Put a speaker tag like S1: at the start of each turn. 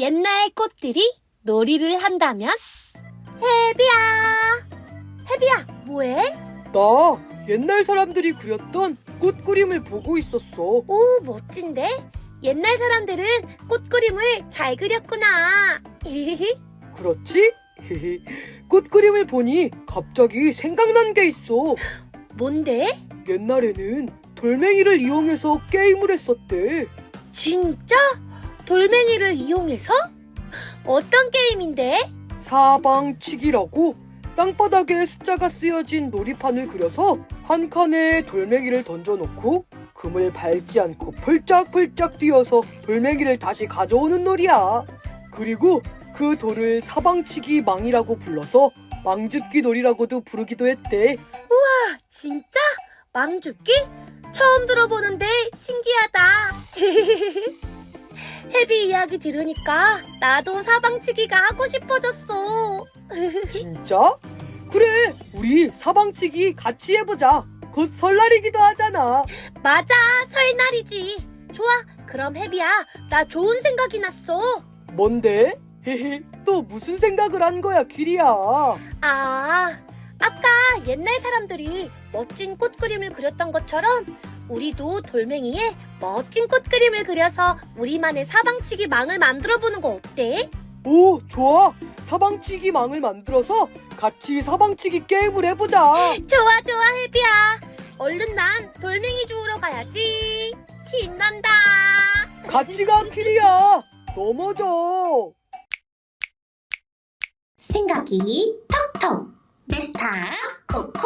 S1: 옛날 꽃들이 놀이를 한다면? 해비야, 뭐해?
S2: 나 옛날 사람들이 그렸던 꽃 그림을 보고 있었어.
S1: 오, 멋진데? 옛날 사람들은 꽃 그림을 잘 그렸구나.
S2: 그렇지? 꽃 그림을 보니 갑자기 생각난 게 있어.
S1: 뭔데?
S2: 옛날에는 돌멩이를 이용해서 게임을 했었대.
S1: 진짜? 돌멩이를 이용해서? 어떤 게임인데?
S2: 사방치기라고 땅바닥에 숫자가 쓰여진 놀이판을 그려서 한 칸에 돌멩이를 던져놓고 금을 밟지 않고 펄짝펄짝 뛰어서 돌멩이를 다시 가져오는 놀이야. 그리고 그 돌을 사방치기 망이라고 불러서 망줍기 놀이라고도 부르기도 했대.
S1: 진짜? 망줍기? 처음 들어보는데 신기하다. 해비 이야기 들으니까 나도 사방치기가 하고 싶어졌어.
S2: 진짜? 그래, 우리 사방치기 같이 해보자. 곧 설날이기도 하잖아.
S1: 맞아, 설날이지. 좋아, 그럼 해비야, 나 좋은 생각이 났어.
S2: 뭔데? 또 무슨 생각을 한 거야, 기리야?
S1: 아까 옛날 사람들이 멋진 꽃 그림을 그렸던 것처럼 우리도 돌멩이에 멋진 꽃 그림을 그려서 우리만의 사방치기 망을 만들어 보는 거 어때?
S2: 오, 좋아. 사방치기 망을 만들어서 같이 사방치기 게임을 해보자.
S1: 좋아, 해비야. 얼른 난 돌멩이 주우러 가야지. 신난다.
S2: 같이 가, 키리야. 넘어져.
S1: 생각이 톡톡. 메타 코코